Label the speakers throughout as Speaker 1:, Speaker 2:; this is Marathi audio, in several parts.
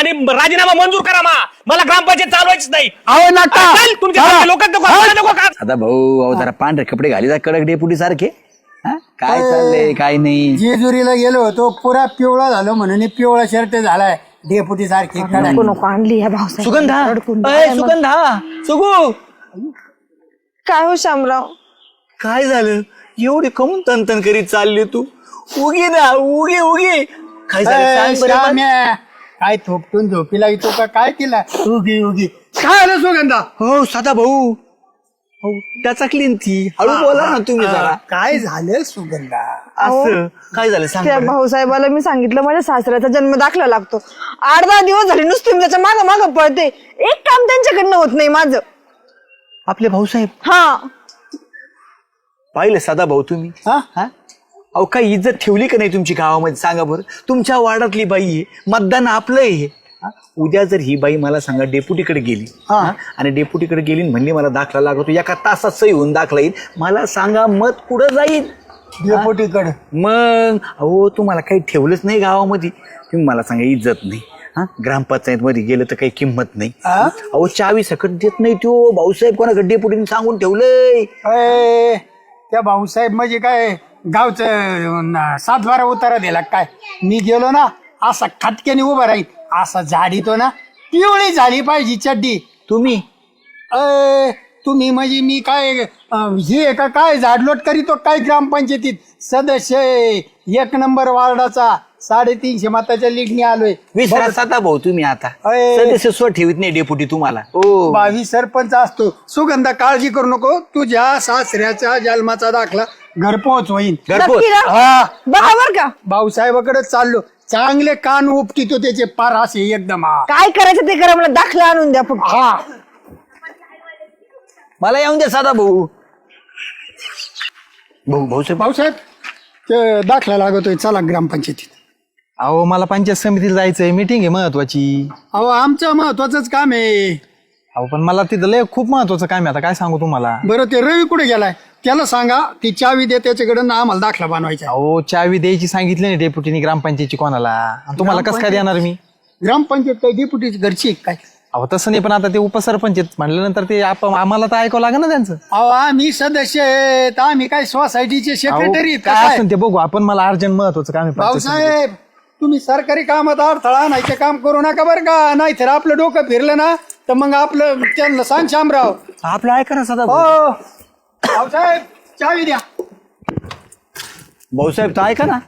Speaker 1: आणि राजीनामा मंजूर करा मला ग्रामपंचायत चालवायचीच नाही.
Speaker 2: अहो नका
Speaker 1: तुमच्या लोक नको का?
Speaker 3: आता भाऊ अहो जरा पांढरे कपडे घाली जा कडक डेपुटी सारखे. काय चाललंय काय नाही.
Speaker 2: जेजुरीला गेलो होतो पुरा पिवळा झालो म्हणून पिवळा शर्ट झालाय डेपुटी सारखी
Speaker 4: नको आणली ह्या भाऊसाहेब.
Speaker 3: सुगंधा सुगू
Speaker 4: काय हो शामराव,
Speaker 3: काय झालं एवढी कमून तनतन करीत चालली तू. उगी ना उगी उगी काय झालं सांग बरं.
Speaker 2: काय थोपटून झोपीला येतो का काय केला उगी उगी काय आलं सुगंधा.
Speaker 3: हो साधा भाऊ त्याचा क्लीन ती हळू बोला ना तुम्ही जरा.
Speaker 2: काय झालं सुगंधा.
Speaker 3: असं काय झालं सांग
Speaker 4: त्या
Speaker 3: बरं.
Speaker 4: भाऊसाहेबाला मी सांगितलं माझ्या सासऱ्याचा जन्म दाखला लागतो. 8-10 दिवस झाले नुसते मी त्याच्या मागं मागं पळते. एक काम त्यांच्याकडनं होत नाही माझं.
Speaker 3: आपले भाऊसाहेब
Speaker 4: हा
Speaker 3: पाहिलं साधा भाऊ तुम्ही.
Speaker 2: हा
Speaker 3: अहो काही इज्जत ठेवली का नाही तुमची गावामध्ये सांगा बरं. तुमच्या वार्डातली बाई आहे, मतदान आपलं आहे. उद्या जर ही बाई मला सांगा डेप्युटीकडे गेली आणि डेप्युटीकडे गेली म्हणली मला दाखला लागतो, एका तासात सही होऊन दाखला येईल, मला सांगा मत कुठं जाईल
Speaker 2: डेपुटीकडे.
Speaker 3: मग. अहो तुम्हाला काही ठेवलंच नाही गावामध्ये. तुम्ही मला सांगा इज्जत नाही. ग्रामपंचायत मध्ये गेलं तर काही किंमत नाही. अहो चावी सकट देत नाही तो भाऊसाहेब. कोणाकडे डेप्युटीने सांगून ठेवलंय.
Speaker 2: त्या भाऊसाहेब म्हणजे काय गावचं 7-12 उतारा दिला काय. मी गेलो ना असा खटक्याने उभा राहील असा झाडीतो ना पिवळी झाली पाहिजे चड्डी.
Speaker 3: तुम्ही
Speaker 2: तुम्ही म्हणजे मी काय हे का काय झाडलोट करीतो काय ग्रामपंचायतीत सदस्य 1 नंबर वार्डाचा 350 मताच्या लीडने आलोय.
Speaker 3: विसरा भाऊ तुम्ही आता सदस्य स्व ठेवत नाही डेप्युटी तुम्हाला.
Speaker 2: 22 सरपंच असतो. सुगंधा काळजी करू नको, तुझ्या सासऱ्याचा जन्माचा दाखला घरपोच होईल.
Speaker 4: नक्की ना?
Speaker 2: हा
Speaker 4: बरोबर का?
Speaker 2: भाऊसाहेबाकडे चाललो. चांगले कान उपटितो त्याचे पार असे एकदम.
Speaker 4: काय करायचं ते करा, मला दाखला आणून द्या फक्त.
Speaker 2: हा
Speaker 3: मला येऊन द्या साधा भाऊ. भाऊसाहेब
Speaker 2: भाऊसाहेब ते दाखला लागतोय चला ग्रामपंचायतीत.
Speaker 5: अहो मला पंचायत समितीला जायचंय, मीटिंग आहे महत्वाची.
Speaker 2: अहो आमचं महत्वाचंच काम आहे.
Speaker 5: अहो पण मला तिथं लय खूप महत्वाचं काम आहे. आता काय सांगू तुम्हाला.
Speaker 2: बरं ते रवी कुठे गेलाय त्याला सांगा ती चावी दे त्याच्याकडे ना आम्हाला दाखला बनवायचा.
Speaker 5: अहो चावी द्यायची सांगितली नाही डेप्युटीनी ग्रामपंचायतची कोणाला. आणि तुम्हाला कसं काय देणार मी.
Speaker 2: ग्रामपंचायत काय डेप्युटीची घरची आहे काय.
Speaker 5: अहो तसं नाही, पण आता ते उपसरपंच आहेत म्हटल्यानंतर ते आम्हाला तर ऐकावं लागेल ना त्यांचं.
Speaker 2: अहो आम्ही सदस्य आहेत, आम्ही काय सोसायटीचे सेक्रेटरी
Speaker 5: अहो, काय असेल ते बघू आपण. मला अर्जंट महत्वाचं काम आहे पंचायत समितीत.
Speaker 2: भाऊसाहेब तुम्ही सरकारी कामात अडथळा आणायचे काम करू नका बरं का. नाही तर आपलं डोकं फिरलं ना तर मग आपलं त्यांना सांग शामराव.
Speaker 3: आपलं ऐका ना साधा भाऊ.
Speaker 2: हो भाऊसाहेब चावी द्या.
Speaker 3: भाऊसाहेब तर ऐका ना.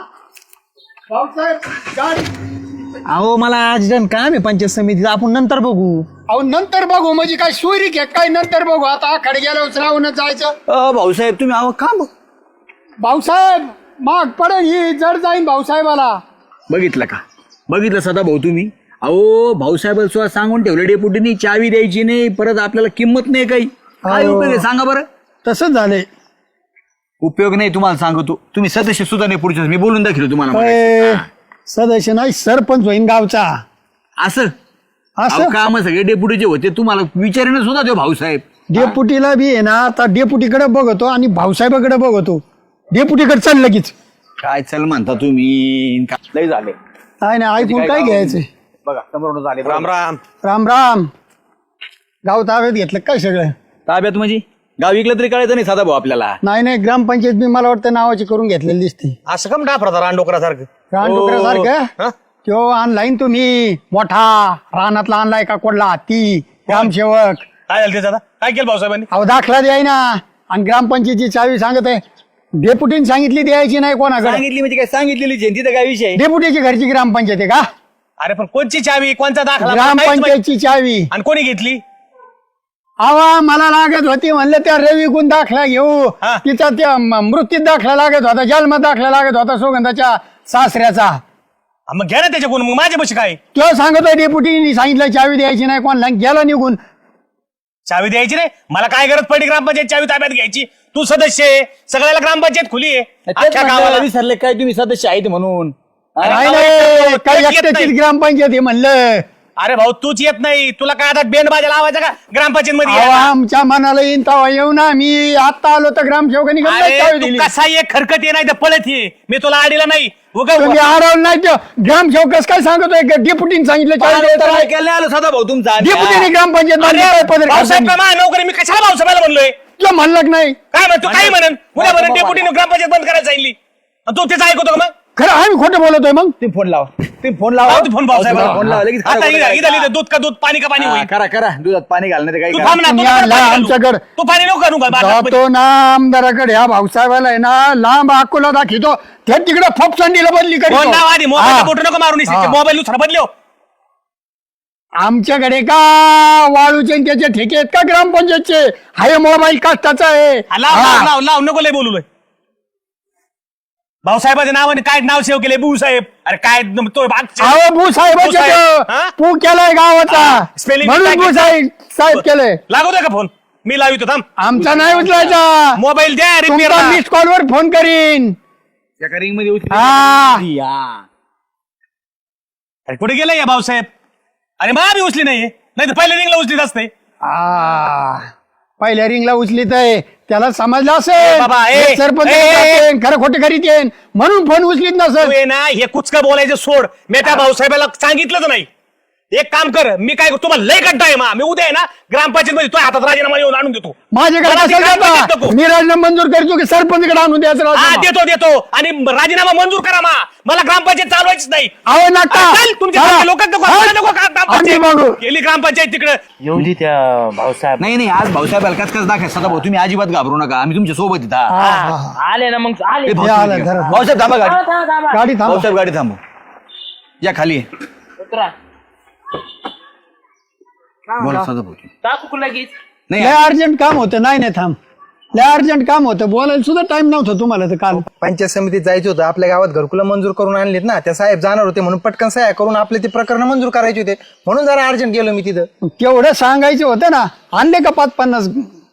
Speaker 2: भाऊसाहेब गाडी.
Speaker 5: अहो मला अर्जंट काम आहे पंचायत समितीत, आपण नंतर बघू.
Speaker 2: अहो नंतर बघू म्हणजे काय सोयरी घ्या काय नंतर बघू. आता आखाडे गेल्यावर राहूनच जायचं.
Speaker 3: भाऊसाहेब तुम्ही अहो का
Speaker 2: भाऊसाहेब माग पडेल ही जड जाईन भाऊसाहेबाला.
Speaker 3: बघितलं का. बघितलं सदा भाऊ तुम्ही. अहो भाऊसाहेब सुद्धा सांगून ठेवलं डेपुटीनी चावी द्यायची नाही, परत आपल्याला किंमत नाही काही. काय उपयोग आहे सांगा बरं.
Speaker 2: तसंच झालंय.
Speaker 3: उपयोग नाही तुम्हाला सांगतो. तुम्ही सदस्य सुद्धा नाही पुढच्या. मी बोलून दाखवलं तुम्हाला मगाशी.
Speaker 2: सदस्य नाही सरपंच होईन गावचा.
Speaker 3: असं
Speaker 2: असं
Speaker 3: काम सगळे डेप्युटीचे होते तुम्हाला विचारेन सुद्धा देऊ भाऊसाहेब.
Speaker 2: डेपुटीला बी आहे ना आता डेपुटीकडे बघतो आणि भाऊसाहेबाकडे बघतो. डेपुटीकडे चाल लगेच.
Speaker 3: काय चल म्हणता तुम्ही. लय झाले
Speaker 2: काय नाही ऐकून काय घ्यायचंय.
Speaker 3: बघा समोर झाले.
Speaker 1: राम राम.
Speaker 2: राम राम. गाव ताब्यात घेतलं काय सगळं.
Speaker 3: ताब्यात म्हणजे गाव विकलं तरी कळायचं नाही साधा भाऊ आपल्याला.
Speaker 2: नाही ग्रामपंचायत मी मला वाटतं नावाची करून घेतलेली दिसते.
Speaker 1: असं कम डाफरा रानडोकरासारखं.
Speaker 2: रानडुकरासारखं तो ऑनलाईन तुम्ही मोठा रानातला आणलाय का कोडला ती ग्रामसेवक.
Speaker 1: काय झालं त्याचं आता? काय केलं भाऊसाहेबांनी?
Speaker 2: अहो दाखला द्याय ना. आणि ग्रामपंचायतीची चावी सांगत आहे डेप्युटीने सांगितली द्यायची नाही कोणाकडे.
Speaker 3: सांगितली म्हणजे काय सांगितलेली जयंती तर काय विषय.
Speaker 2: डेप्युटीची घरची ग्रामपंचायत आहे का.
Speaker 1: अरे पण कोणची चावी कोणचा दाखला?
Speaker 2: ग्रामपंचायतची चावी.
Speaker 1: आणि कोणी घेतली?
Speaker 2: आवा मला लागत होती म्हणलं त्या रवी गुण दाखला घेऊ. तिचा त्या मृत्यूत दाखला लागत होता, जन्म दाखला लागत होता सुगंधाच्या सासऱ्याचा.
Speaker 1: मग घ्या ना त्याच्याकडून. मग माझ्या पशी काय?
Speaker 2: तो सांगतोय डेप्युटीने सांगितलं चावी द्यायची नाही कोणाला. गेला निघून.
Speaker 1: चावी द्यायची नाही. मला काय गरज पडली ग्रामपंचायत चावी ताब्यात घ्यायची? तू सदस्य आहे, सगळ्याला ग्रामपंचायत खुली आहे. अख्ख्या गावाला
Speaker 3: विसरले काय तुम्ही सदस्य आहेत म्हणून.
Speaker 2: नाही काही एकट्याचीच ग्रामपंचायत आहे म्हणलं.
Speaker 1: अरे भाऊ तूच येत नाही, तुला काय आता बेंड बाजा लावायचा का ग्रामपंचायत मध्ये
Speaker 2: अहो,
Speaker 1: यायला?
Speaker 2: आमच्या मनाला येईन तेव्हा येऊ ना. मी आता आलो तर ग्रामसेवकांनी कसं काय
Speaker 1: अरे
Speaker 2: चावी
Speaker 1: तू
Speaker 2: दिली?
Speaker 1: कसा ये खरकत ये नाही तर पळत ये, मी तुला आडीला नाही
Speaker 2: तुम्ही हरवलं नाही तो ग्रामसेवक कसं काय सांगतोय? डेप्युटीने सांगितलं चावी द्यायचं नाही.
Speaker 3: ऐकायला नाही आलं सदा भाऊ तुमचा
Speaker 2: डेप्युटीने ग्रामपंचायत मध्ये काय पदर
Speaker 1: भाऊसाहेब
Speaker 2: खाली?
Speaker 1: का नोकरी मी कशाला भाऊसाहेबाला म्हणलोय?
Speaker 2: तुला म्हणलं नाही
Speaker 1: काय म्हणतो काही म्हणन उद्या म्हणून डेप्युटीने ग्रामपंचायत बंद करायला सांगितली आणि तू त्याचं ऐकतो का मग?
Speaker 2: खरं आम्ही खोटं बोलतोय मग.
Speaker 3: तुम्ही फोन लावा, तुम्ही फोन लावा,
Speaker 1: लाव तू फोन भाऊसाहेबाला.
Speaker 3: फोन लावा लगेच.
Speaker 1: आता इथं दूध का दूध, पाणी का पाणी होईल.
Speaker 3: करा करा, दुधात पाणी घालणार काही
Speaker 1: तू
Speaker 3: करा.
Speaker 1: थांब ना, तू
Speaker 2: तुम्ही
Speaker 1: नको
Speaker 2: आणला
Speaker 1: पाणी घालू.
Speaker 2: आमच्याकडे.
Speaker 1: तू पाणी नको घालू का?
Speaker 2: जातो ना आमदाराकडे, ह्या भाऊसाहेबाला आहे ना लांब अकोला दाखवतो, ते तिकडे फपसंडीला बदली
Speaker 1: फोन
Speaker 2: करीतो.
Speaker 1: लाव आधी, मोबाईल
Speaker 2: हा.
Speaker 1: बोट नको मारून
Speaker 2: हा.
Speaker 1: मोबाईल दुसरा बदलो.
Speaker 2: आमच्याकडे का वाळूचे आणि त्याचे ठेके आहेत का ग्रामपंचायतचे? हाय मोबाईल कष्टाचा आहे.
Speaker 1: लाव
Speaker 2: हा.
Speaker 1: लाव लाव लाव नको लय बोलू लय. भाऊसाहेबाच्या नावाने काय नाव सेव केले भाऊ साहेब? अरे काय तो
Speaker 2: अहो भू साहेबाचे
Speaker 1: भूसाहेब, हा?
Speaker 2: पू केलाय गावाचा,
Speaker 1: spelling
Speaker 2: म्हणून
Speaker 1: mistake
Speaker 2: भू साहेब केलंय.
Speaker 1: लागू का फोन? मी लावितो थांब.
Speaker 2: आमचा नाही उचलायचा.
Speaker 1: मोबाईल द्या
Speaker 2: तुमचा
Speaker 1: रिपेअर.
Speaker 2: मिस कॉलवर फोन करीन.
Speaker 3: एका रिंग मध्ये उचलून
Speaker 2: हा.
Speaker 3: या.
Speaker 1: अरे कुठे गेलाय या भाऊसाहेब? अरे मा बी उचली नाही तर पहिल्या रिंगला उचलीत असते.
Speaker 2: पहिल्या रिंगला उचलीत आहे, त्याला समजलं
Speaker 1: बाबा,
Speaker 2: असेल सरपंच खरं खोटं करीत येईन म्हणून फोन उचलीत
Speaker 1: तू
Speaker 2: नसेल.
Speaker 1: ये ना हे कुचका बोलायचं सोड. मी त्या भाऊसाहेबाला सांगितलंच नाही. एक काम कर, मी काय तुम्हाला लय गड्डा आहे मा, मी उद्या आहे ना ग्रामपंचायत मध्ये तुझ्या हातात राजीनामा येऊन आणून देतो.
Speaker 2: माझ्याकडे
Speaker 1: मला ती
Speaker 2: असेल
Speaker 1: ग्रामपंचायत
Speaker 2: का?
Speaker 1: नको.
Speaker 2: मी राजीनामा मंजूर करतो की सरपंचकडे आणून द्यायचं
Speaker 1: हा
Speaker 2: राजीनामा?
Speaker 1: देतो देतो आणि राजीनामा मंजूर करा मा. मला ग्रामपंचायत चालवायचीच नाही.
Speaker 2: अहो नका.
Speaker 1: चल, तुमच्या
Speaker 2: हा.
Speaker 1: लोक नको
Speaker 2: हा.
Speaker 1: मला नको का
Speaker 2: आम्ही बघू.
Speaker 1: ग्रामपंचायत गेली ग्रामपंचायत तिकडे.
Speaker 6: एवढी त्या भाऊसाहेब
Speaker 3: नाही नाही, आज भाऊसाहेब अलकाच कस दाखवा सदा भाऊ, तुम्ही अजिबात घाबरू नका, आम्ही तुमच्या सोबत येत आहात.
Speaker 2: हा, हा.
Speaker 6: आले ना मग आले.
Speaker 3: ए, भाऊ,
Speaker 2: हे आलं,
Speaker 3: तुम्ही
Speaker 2: धरा.
Speaker 3: घ्या. भाऊसाहेब थांबा गाडी,
Speaker 2: गाडी थांबा.
Speaker 3: भाऊसाहेब गाडी थांबू, या खाली ये.
Speaker 6: उतरा.
Speaker 3: बोला सदा भाऊ.
Speaker 6: टाकू लगेच.
Speaker 3: नाही
Speaker 2: लय अर्जंट काम होतं. नाही नाही थांब, लय अर्जंट काम होतं, बोलायला सुद्धा टाइम नव्हता तुम्हाला तर काल.
Speaker 5: पंचायत समितीत जायचं होतं, आपल्या गावात घरकुलं मंजूर करून आणलीत ना, त्या साहेब जाणार होते म्हणून पटकन सह्या करून आपले ते प्रकरण मंजूर करायचे होते, म्हणून जरा अर्जंट गेलो मी तिथं.
Speaker 2: तेवढं सांगायचं होतं ना. आणले का 5-50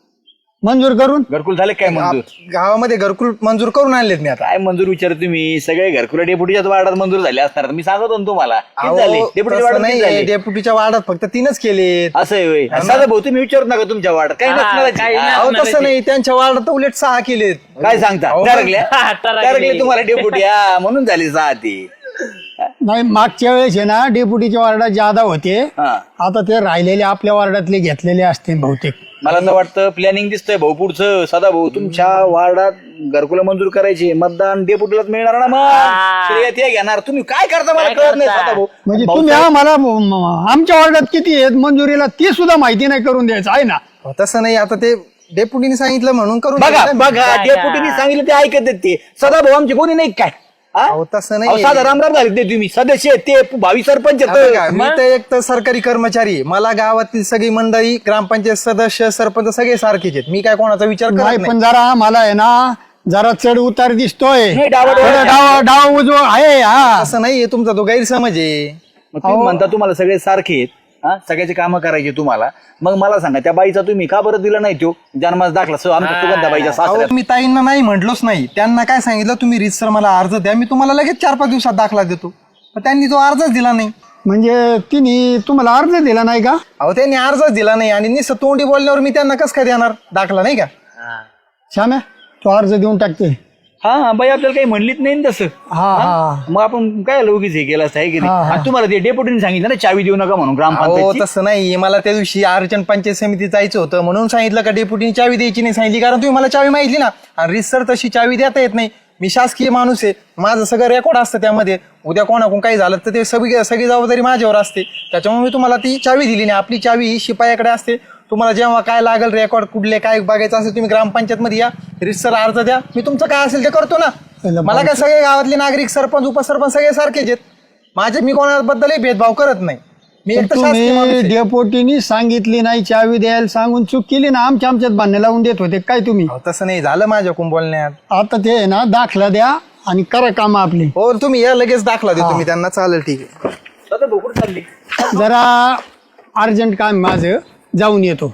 Speaker 2: मंजूर करून?
Speaker 3: घरकुल झाले काय मंजूर?
Speaker 5: गावामध्ये घरकुल मंजूर करून आणलेत मी आता.
Speaker 3: काय मंजूर विचार तुम्ही? सगळे घरकुला डेपुटीच्याच वार्डात मंजूर झाले असणार, मी सांगतो ना तुम्हाला. किती झाले?
Speaker 5: अहो,
Speaker 3: डेपुटीच्या
Speaker 5: तसं
Speaker 3: वार्डात किती
Speaker 5: नाही,
Speaker 3: झाले?
Speaker 5: डेप्युटीच्या वार्डात फक्त 3च केलेत.
Speaker 3: असं आहे होय. सदा भाऊ तुम्ही विचारू नका तुमच्या वार्डात काही
Speaker 6: हा,
Speaker 3: नसणार
Speaker 6: काही नाही.
Speaker 5: अहो तसं नाही, त्यांच्या वार्डात उलट 6 केलेत.
Speaker 3: काय सांगता?
Speaker 5: अहो,
Speaker 3: टरकल्या
Speaker 6: टरकले.
Speaker 3: टरकले तुम्हाला डेपुटी, हा, म्हणून झाली 6 ती.
Speaker 2: नाही, मागच्या वेळेस आहे ना डेप्युटीच्या वार्डात जादा होते.
Speaker 3: हा.
Speaker 2: आता ते राहिलेले आपल्या वार्डातले घेतलेले असतील बहुतेक.
Speaker 3: मला तर वाटतं प्लॅनिंग दिसतंय भाऊ पुढचं. सदा भाऊ तुमच्या वार्डात घरकुला मंजूर करायची, मतदान डेपुटीलाच मिळणार ना, मग श्रेय ते घेणार. तुम्ही काय करता मला
Speaker 6: काय
Speaker 3: कळत नाही
Speaker 6: करता?
Speaker 3: सदा भाऊ.
Speaker 2: म्हणजे तुम्ही आम्हाला आमच्या वार्डात किती आहेत मंजुरीला ती सुद्धा माहिती नाही करून द्यायचं आहे ना.
Speaker 5: अहो, तसं नाही, आता ते डेप्युटीने सांगितलं म्हणून करून
Speaker 3: बघा
Speaker 5: दिलं ना.
Speaker 3: बघा, डेपुटीने सांगितलं ते ऐकत आहेत ते. सदा भाऊ आमचे कोणी नाही काय? हा?
Speaker 5: अहो, तसं
Speaker 3: अहो,
Speaker 5: नाही.
Speaker 3: साधा रामराम झाले ते तुम्ही सदस्य आहेत, ते भावी सरपंच
Speaker 5: आता
Speaker 3: आहेत.
Speaker 5: बघा, मी तर एक तर सरकारी कर्मचारी आहे. मला गावातील सगळी मंडळी, ग्रामपंचायत सदस्य, सरपंच सगळे सारखेच आहेत. मी काय कोणाचा विचार करत
Speaker 2: नाही
Speaker 5: नाही.
Speaker 2: पण जरा आम्हाला आहे ना जरा चढ उतार दिसतोय.
Speaker 3: नाही, डावाडोळ
Speaker 2: थोडं डाव उजवा आहे. हा,
Speaker 5: असं नाहीये, तुमचा तो गैरसमज आहे.
Speaker 3: मग तुम्ही म्हणता तुम्हाला सगळे सारखे आहेत, हा, सगळ्याचे कामं करायचे तुम्हाला. मग मला सांगा त्या बाईचा तुम्ही का बरं दिला नाही तो जन्मास दाखला आमच्या सुगंधा बाईच्या
Speaker 5: अहो,
Speaker 3: सासऱ्यात?
Speaker 5: मी ताईंना नाही म्हटलोच नाही. त्यांना काय सांगितलं, तुम्ही रीतसर मला अर्ज द्या, मी तुम्हाला लगेच 4-5 दिवसात दाखला देतो. पण त्यांनी तो अर्जच दिला नाही.
Speaker 2: म्हणजे तिने तुम्हाला अर्ज दिला नाही का?
Speaker 5: अहो, त्यांनी अर्जच दिला नाही आणि निस तोंडी बोलल्यावर मी त्यांना कसं काय देणार दाखला, नाही का?
Speaker 2: श्याम्या, तो अर्ज देऊन टाकते.
Speaker 3: हा, बाई आपल्याला काही म्हणलीच नाही ना तसं.
Speaker 2: हा हा.
Speaker 3: मग आपण काय लगेच हे केलं असं आहे की
Speaker 2: हा,
Speaker 3: नाही?
Speaker 2: हा.
Speaker 3: आणि तुम्हाला ते डेपुटीने सांगितलं ना चावी देऊ नका म्हणून
Speaker 5: अहो,
Speaker 3: ग्रामपंचायत.
Speaker 5: तसं नाही. मला त्या दिवशी अर्जंट पंचायत समितीत जायचं होतं म्हणून सांगितलं का डेप्युटीने चावी द्यायची नाही सांगितली, कारण तुम्ही मला चावी माहितली ना. आणि रीतसर तशी चावी देता येत नाही. मी शासकीय माणूस आहे, माझं सगळं रेकॉर्ड असतं त्यामध्ये. उद्या कोणाकडून काही झालं तर ते सगळी जबाबदारी माझ्यावर असते. त्याच्यामुळे मी तुम्हाला ती चावी दिली नाही. आपली चावी ही शिपायाकडे असते. तुम्हाला जेव्हा काय लागेल, रेकॉर्ड कुठले काय बघायचं असेल, तुम्ही ग्रामपंचायत मध्ये या, रीतसर अर्ज द्या, मी तुमचं काय असेल ते करतो ना. मला काय सगळे गावातले नागरिक, सरपंच, उपसरपंच सगळे सारखेच आहेत माझे. मी कोणाबद्दलही भेदभाव करत नाही. मी एक तर शासकीय माणूस
Speaker 2: तुम्ही
Speaker 5: आहे.
Speaker 2: डेपोटीनी सांगितली नाही चावी द्यायला सांगून चूक केली ना. आमच्यात भांडण लावून देत होते काय तुम्ही?
Speaker 5: अहो, तसं नाही झालं माझ्याकडून बोलण्यात.
Speaker 2: आता ते आहे ना दाखला द्या आणि करा काम आपली.
Speaker 5: हो, तुम्ही या, लगेच दाखला देतो मी त्यांना. चालेल, ठीक आहे.
Speaker 3: सदा भाऊ कुठं चालली?
Speaker 2: जरा अर्जंट काम माझं, जाऊन येतो.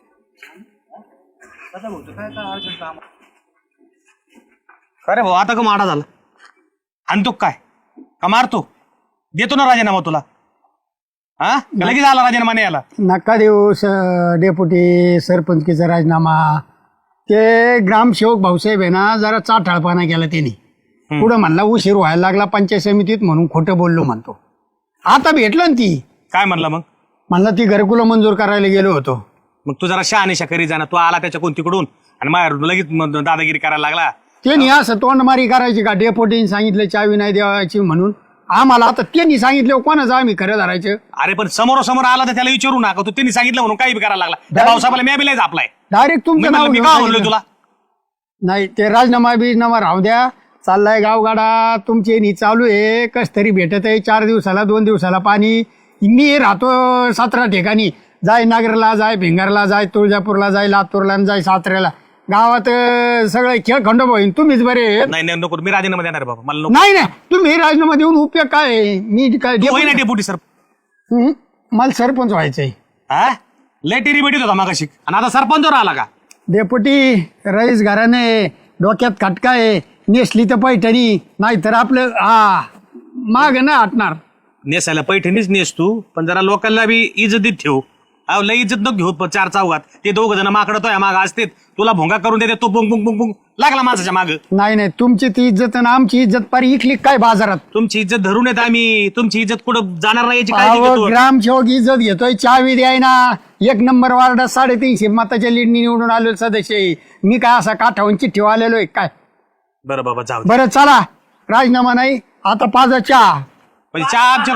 Speaker 1: अरे भाऊ आता का माडा झाला? आणतो काय का मारतो? देतो ना राजीनामा तुला. हा लगेच आला राजीनामा याला.
Speaker 2: नका देऊ डेप्युटी सरपंचकीचा राजीनामा. ते ग्रामसेवक भाऊसाहेब आहे ना जरा चाठाळपणा केला त्यांनी. पुढं म्हणला उशीर व्हायला लागला पंचायत समितीत म्हणून खोटं बोललो म्हणतो. आता भेटलं ना ती.
Speaker 1: काय म्हणला मग?
Speaker 2: म्हणला ती घरकुलं मंजूर करायला गेलो होतो.
Speaker 1: मग तू जरा शहानिशा करी जाणार. तू आला त्याच्या तिकडून आणि माझ्यावर लगेच दादागिरी करायला लागला.
Speaker 2: त्यांनी असं तोंडमारी करायची का डेप्युटीने सांगितलं चावी नाही द्यायची म्हणून आम्हाला. आता त्यांनी सांगितलं कोणाचं आम्ही खरं धरायचं.
Speaker 1: अरे पण समोरासमोर आला तर त्याला विचारू नका. तू त्यांनी सांगितलं म्हणून काही करायला लागला. त्या भाऊसाहेबाला मी बिलायच आपलाय.
Speaker 2: डायरेक्ट तुमचं नाव
Speaker 1: मी
Speaker 2: घेऊन
Speaker 1: का म्हणलो
Speaker 2: सांगितलं.
Speaker 1: तुला?
Speaker 2: नाही ते राजीनामा बिजनामा राहू द्या. चाललाय गावगाडा तुमचे नी चालू आहे. कस तरी भेटत आहे 4 दिवसाला 2 दिवसाला पाणी. मी राहतो 17 ठिकाणी. जाय नागरला जाय भिंगारला जाय तुळजापूरला जाय लातूरला जाय साताऱ्याला. गावात सगळे खेळ खंडोबा होईल. तुम्हीच बरे आहेत.
Speaker 1: नाही नको. मी राजीनामा देणार बाबा. मला नको.
Speaker 2: नाही तुम्ही राजीनामा देऊन उपयोग काय आहे? मी काय
Speaker 1: तू होई ना डेप्युटी सर.
Speaker 2: मला सरपंच व्हायचंय.
Speaker 1: हा लय टेरी भेटीत होता मागाशी आणि आता सरपंचवर आला का?
Speaker 2: डेप्युटी रईस घराने डोक्यात खटका आहे. नेसली तर पैठणी नाहीतर आपलं माग ना हटणार.
Speaker 1: नेसायला पैठणीच नेस तू पण जरा लोकांना बी इज्जतीत ठेव. अहो लय इज्जत नको घेऊ 4 चौघात. ते 2 जण माकडतोय माग असते तुला भोंगा करून देते. तू पुंग पुंग पुंग पुंग लागला माणसाच्या माग.
Speaker 2: नाही तुमची ती इज्जत आणि आमची इज्जत पारी इकली काय बाजारात.
Speaker 1: तुमची इज्जत धरून येत आम्ही. तुमची इज्जत कुठं जाणार नाही याची काळजी घेतो.
Speaker 2: ग्रामसेवक इज्जत घेतोय. चावी द्याय ना. 1 नंबर वार्डात 350 मताच्या लीडनी निवडून आलेलो सदस्य आहे. मी काय असा काठावून चिठ्ठी आलेलो आहे काय.
Speaker 1: बरं बाबा जाऊ दे.
Speaker 2: बरं चला राजीनामा नाही आता पाजा चहा.
Speaker 1: म्हणजे चहा आमच्या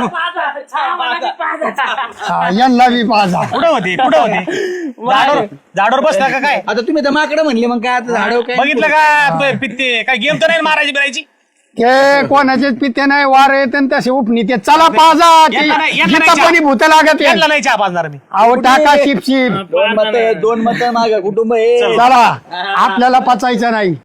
Speaker 2: यांना बी पाजा.
Speaker 1: कुठं होते झाडावर बसला का काय?
Speaker 3: आता तुम्ही तर माकडं म्हणले मग काय आता झाडव काय
Speaker 1: बघितलं का पित्ते काय गेम तर नाही मारायची बिरायची.
Speaker 2: ते कोणाचेच पिते नाही वार येत आणि तसे उपनी ते चला पाजा.
Speaker 1: यांना नाही
Speaker 2: कोणी भूत लागत आहे.
Speaker 1: यांना नाही चहा पाजणार मी.
Speaker 2: अहो टाका शिप
Speaker 3: 2 मत माग कुटुंब आहे.
Speaker 2: चला आपल्याला पचायचं नाही.